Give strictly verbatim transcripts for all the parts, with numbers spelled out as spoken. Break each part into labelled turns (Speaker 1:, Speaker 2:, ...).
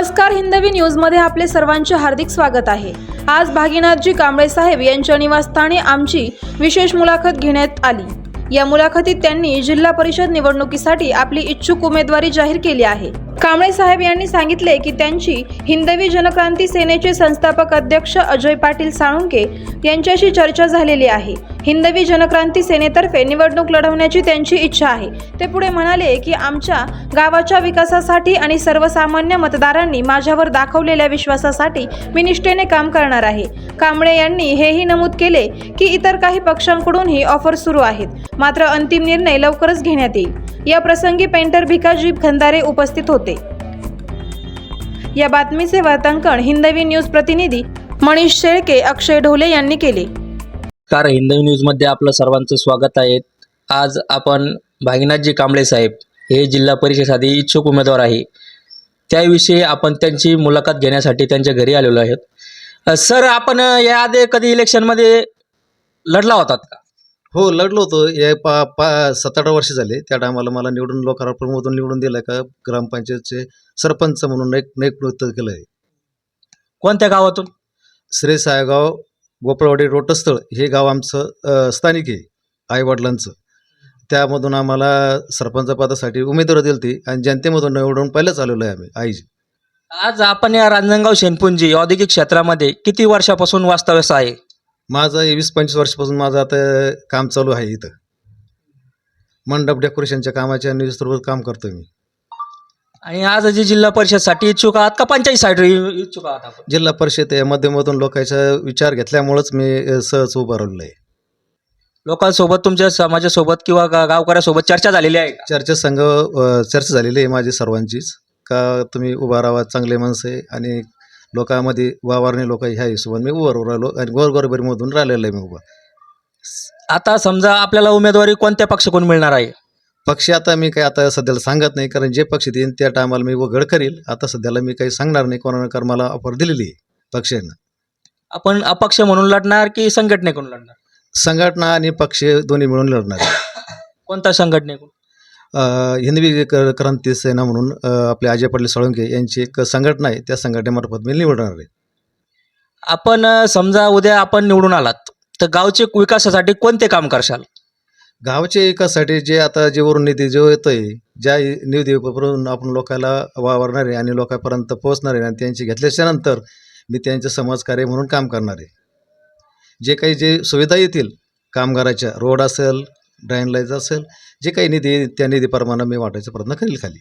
Speaker 1: नमस्कार, हिंदवी न्यूजमध्ये आपले सर्वांचे हार्दिक स्वागत आहे। आज भागीनाथजी कांबळे साहेब यांच्या निवासस्थानी आमची विशेष मुलाखत घेण्यात आली। या मुलाखतीत त्यांनी जिल्हा परिषद निवडणुकीसाठी आपली इच्छुक उमेदवारी जाहीर केली आहे। कांबळे साहेब यांनी सांगितले की त्यांची हिंदवी जनक्रांती सेनेचे संस्थापक अध्यक्ष अजय पाटील साळुंके यांच्याशी चर्चा झालेली आहे। हिंदवी जनक्रांती सेनेतर्फे निवडणूक लढवण्याची त्यांची इच्छा आहे। ते पुढे म्हणाले की आमच्या गावाच्या विकासासाठी आणि सर्वसामान्य मतदारांनी माझ्यावर दाखवलेल्या विश्वासासाठी मी निष्ठेने काम करणार आहे। कांबळे यांनी हेही नमूद केले की इतर काही पक्षांकडूनही ऑफर सुरू आहेत, मात्र अंतिम निर्णय लवकरच घेण्यात येईल। या प्रसंगी पेंटर भिकाजी खंदारे उपस्थित होते। या बातमीचे वार्तांकन हिंदवी न्यूज प्रतिनिधी मनीष शेळके, अक्षय ढोले यांनी केले।
Speaker 2: कार हिंदवी न्यूजमध्ये आपलं सर्वांचं स्वागत आहे। आज आपण भागीनाथजी कांबळे साहेब हे जिल्हा परिषदेसाठी इच्छुक उमेदवार आहे, त्याविषयी आपण त्यांची मुलाखत घेण्यासाठी त्यांच्या घरी आलेलो आहोत। सर, आपण याआधी कधी इलेक्शनमध्ये लढला होतात का?
Speaker 3: हो, लढलो होतो। या पा पा सात आठ वर्ष झाले। त्या टायमाला मला निवडून लोकार्पणमधून निवडून दिलं का ग्रामपंचायतचे सरपंच म्हणून एक नेतृत्व केलं आहे।
Speaker 2: कोणत्या गावातून?
Speaker 3: श्री सायगाव गोपाळवाडी रोटस्थळ हे गाव आमचं स्थानिक आहे, आईवडिलांचं। त्यामधून आम्हाला सरपंच पदासाठी उमेदवारी दिली होती आणि जनतेमधून निवडून पहिलेच आलेलो आहे आम्ही आईजी।
Speaker 2: आज आपण या रांजणगाव शेनपुंजी औद्योगिक क्षेत्रामध्ये किती वर्षापासून वास्तव्यास आहे?
Speaker 3: माझं वीस पंचवीस वर्षापासून माझं आता काम चालू आहे। इथं मंडप डेकोरेशनच्या कामाच्या निस्तृत काम करतो मी।
Speaker 2: आणि आज जी जिल्हा परिषदसाठी इच्छुक आहात का पंचायतीसाठी इच्छुक आहात आपण?
Speaker 3: जिल्हा परिषद या माध्यमातून लोकांचा विचार घेतल्यामुळेच मी सहज उभं राहिलो आहे।
Speaker 2: लोकांसोबत, तुमच्या समाजासोबत किंवा गा गावकऱ्यासोबत चर्चा झालेली आहे का?
Speaker 3: चर्चा संघ चर्चा झालेली आहे माझी सर्वांचीच, का तुम्ही उभा राहा, चांगले माणसं आहे आणि लोकांमध्ये वावरणे लोक ह्या हिशोबाने मी उभं राहिलो आणि गोरगरिबीमधून राहिलेलं आहे मी उभा।
Speaker 2: आता समजा आपल्याला उमेदवारी कोणत्या पक्षाकडून मिळणार आहे?
Speaker 3: पक्ष आता मी काही आता सध्याला सांगत नाही, कारण जे पक्ष देईन त्या टायमाला मी उघड करील। आता सध्याला मी काही सांगणार नाही कोणाला, कारण मला ऑफर दिलेली आहे पक्षानं।
Speaker 2: आपण अपक्ष म्हणून लढणार की संघटनेकडून लढणार?
Speaker 3: संघटना आणि पक्ष दोन्ही मिळून लढणार आहे।
Speaker 2: कोणत्या संघटनेकडून?
Speaker 3: हिंदवी क्रांती सेना म्हणून आपले अजय पाटील साळुंके यांची एक संघटना आहे, त्या संघटनेमार्फत मी निवडणार आहे।
Speaker 2: आपण समजा उद्या आपण निवडून आलात तर गावचे विकासासाठी कोणते काम करशाल?
Speaker 3: गावच्या विकासासाठी जे आता जे वरून निधी जो येतो आहे, ज्या निधीवरून आपण लोकांना वावरणार आहे आणि लोकांपर्यंत पोहोचणार आहे आणि त्यांची घेतल्याच्यानंतर मी त्यांचं समाजकार्य म्हणून काम करणार आहे। जे काही जे सुविधा येतील कामगाराच्या, रोड असेल, ड्रेन लाईन्स असेल, जे काही निधी त्या निधीप्रमाणे मी वाटायचा प्रयत्न करेल खाली।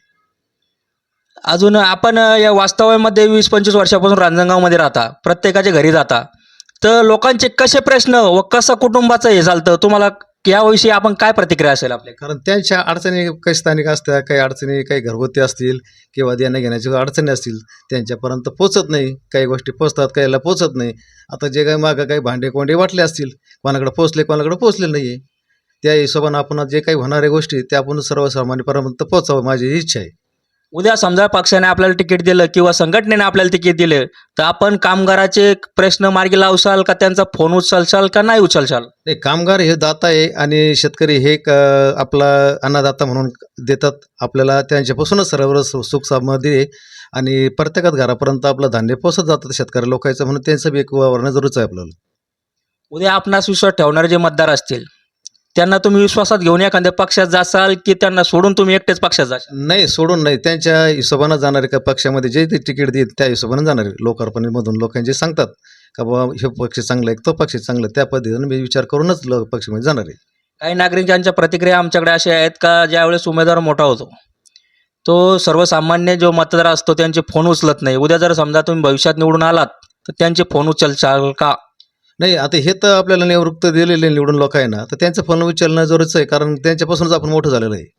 Speaker 2: अजून आपण या वास्तव्यामध्ये वीस पंचवीस वर्षापासून रांजणगावमध्ये राहता, प्रत्येकाच्या घरी जाता, तर लोकांचे कसे प्रश्न व कसं कुटुंबाचं हे चालतं, तुम्हाला याविषयी आपण काय प्रतिक्रिया असेल आपल्या?
Speaker 3: कारण त्यांच्या अडचणी काही स्थानिक असतात, काही अडचणी काही घरगुती असतील किंवा देण्या घेण्याच्या अडचणी असतील, त्यांच्यापर्यंत पोचत नाही। काही गोष्टी पोचतात, काहीला पोचत नाही। आता जे काही मागं काही भांडे कोंडे वाटले असतील, कोणाकडे पोचले कोणाकडे पोचले नाही आहे, त्या हिशोबाने आपण जे काही होणाऱ्या गोष्टी त्या आपण सर्वसामान्यपर्यंत पोचावं माझी इच्छा आहे।
Speaker 2: उद्या समजा पक्षाने आपल्याला तिकीट दिलं किंवा संघटनेने आपल्याला तिकीट दिलं तर आपण कामगाराचे प्रश्न मार्गी लावशाल का, त्यांचा फोन उचलशाल का नाही उचलशाल?
Speaker 3: नाही, कामगार हे दाता आहे आणि शेतकरी हे आपला अन्नदाता म्हणून देतात आपल्याला, त्यांच्यापासूनच सर्व सुख समृद्धी आहे आणि प्रत्येकात घरापर्यंत आपलं धान्य पोचत जातं शेतकरी लोकांचं, म्हणून त्यांचं बी एक वावरणं जरूरच आहे आपल्याला।
Speaker 2: उद्या आपणास विश्वास ठेवणारे जे मतदार असतील त्यांना तुम्ही विश्वासात घेऊन एखाद्या पक्षात जासाल की त्यांना सोडून तुम्ही एकटेच पक्षात जाशाल?
Speaker 3: नाही, सोडून नाही, त्यांच्या हिशोबानं जाणारे का पक्षामध्ये जे ते तिकीट देईल त्या हिशोबानं जाणारे लोकार्पणमधून लोकांचे सांगतात का बाबा हे पक्ष चांगला आहे, तो पक्ष चांगला आहे, त्या पद्धतीने मी विचार करूनच लोक पक्षामध्ये जाणार आहे।
Speaker 2: काही नागरिकांच्या प्रतिक्रिया आमच्याकडे अशा आहेत का ज्यावेळेस उमेदवार मोठा होतो तो सर्वसामान्य जो मतदार असतो त्यांचे फोन उचलत नाही, उद्या जर समजा तुम्ही भविष्यात निवडून आलात तर त्यांचे फोन उचलशाल का?
Speaker 3: नाही, आता हे तर आपल्याला निवृत्त दिलेले निवडून लोक आहे ना, तर त्यांचं फोन उचलणं जरूरच आहे, कारण त्यांच्यापासूनच आपण मोठं झालेलं आहे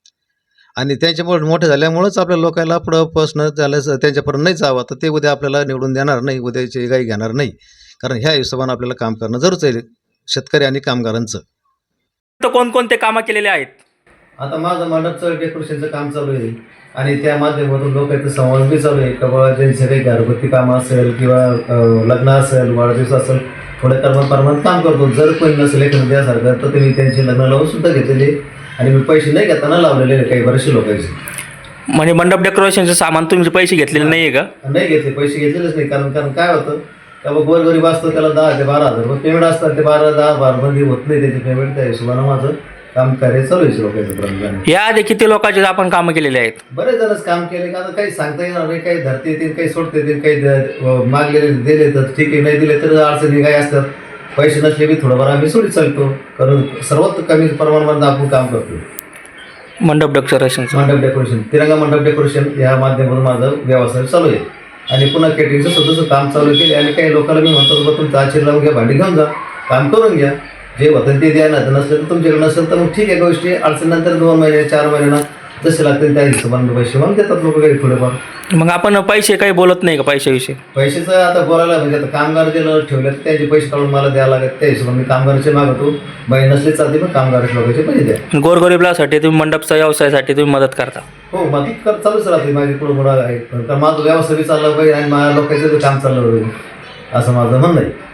Speaker 3: आणि त्यांच्यामुळे मोठे झाल्यामुळेच आपल्या लोकांना पुढं पोचणं झालं, त्यांच्यापर्यंत नाही जावं तर ते उद्या आपल्याला निवडून देणार नाही, उद्याची गाई घेणार नाही, कारण ह्या हिशोबाने आपल्याला काम करणं जरूरच आहे शेतकरी आणि कामगारांचं।
Speaker 2: तर कोणकोणते कामं केलेले आहेत?
Speaker 3: आता माझं मंडपचं डेकोरेशनचं काम चालू आहे आणि त्या माध्यमातून लोकांचं संवाद बी चालू आहे, किंवा ज्यांचे काही घरगुती कामं असेल किंवा लग्न असेल, वाढदिवस असेल, थोड्या कर्मप्रमाणात काम करतो। जर कोणी नसेल एखादं द्यासारखं तर तुम्ही त्यांची लग्न लावून सुद्धा घेतलेले आणि मी पैसे नाही घेताना लावलेले काही बरेचसे लोकांचे।
Speaker 2: म्हणजे मंडप डेकोरेशनचं सामान तुम्ही पैसे घेतलेले नाही आहे का?
Speaker 3: नाही घेतले, पैसे घेतलेलेच नाही. कारण कारण काय होतं, का बघ गोरगरीब असतो त्याला दहा ते बारा हजार रुपये पेमेंट असतात. ते बारा दहा बारा बंदी होत नाही त्याचे पेमेंट. त्या हिशोबानं माझं काम कार्य चालू आहे लोकांचं प्रमाणे.
Speaker 2: याआधी किती लोकांचे आपण कामं केलेले आहेत?
Speaker 3: बरेच जणच काम केले. आता काही सांगता येणार नाही. काही धरते येतील, काही सोडते येतील, काही द- मागलेले दिले तर ठीक आहे, नाही दिले तर अडचणी काही असतात. पैसे नसले की थोडंफार आम्ही सोडीत चालतो. कारण सर्वात कमी प्रमाणामध्ये आपण काम करतो.
Speaker 2: मंडप डेकोरेशनचं
Speaker 3: मंडप डेकोरेशन, तिरंगा मंडप डेकोरेशन या माध्यमातून माझं व्यवसाय चालू आहे. आणि पुन्हा केटरिंगचं सुद्धा काम चालू केले. आणि काही लोकांना मी म्हणतो बाबा तुमचं आचीर लावून घ्या, भांडी घेऊन जा, काम करून घ्या, जे होतं ते द्या. नाही तर नसलं तर तुमच्याकडे नसेल तर मग ठीक आहे गोष्टी. अडचणीनंतर दोन महिने चार महिन्यांना जसे लागतील त्या हिशोबाने पैसे मग देतात लोक काही थोडेफार.
Speaker 2: मग आपण पैसे काही बोलत नाही का पैशाविषयी?
Speaker 3: पैशाचं आता बोलायला म्हणजे आता कामगार दिलं ठेवले तर त्यांचे पैसे काढून मला द्यावं लागत. त्या हिशोबाने मी कामगाराचे मागवतो. बाई नसले चालते पण कामगाराच्या लोकांचे पैसे द्या.
Speaker 2: गोरगरिबासाठी तुम्ही मंडपच्या व्यवसायासाठी तुम्ही मदत करता?
Speaker 3: हो, मग कर चालूच राहते माझी पुढं पुढं आहे. कारण माझं व्यवसाय बी चाललं पाहिजे आणि माझ्या लोकांचं बी काम चाललं पाहिजे असं माझं म्हणणं आहे.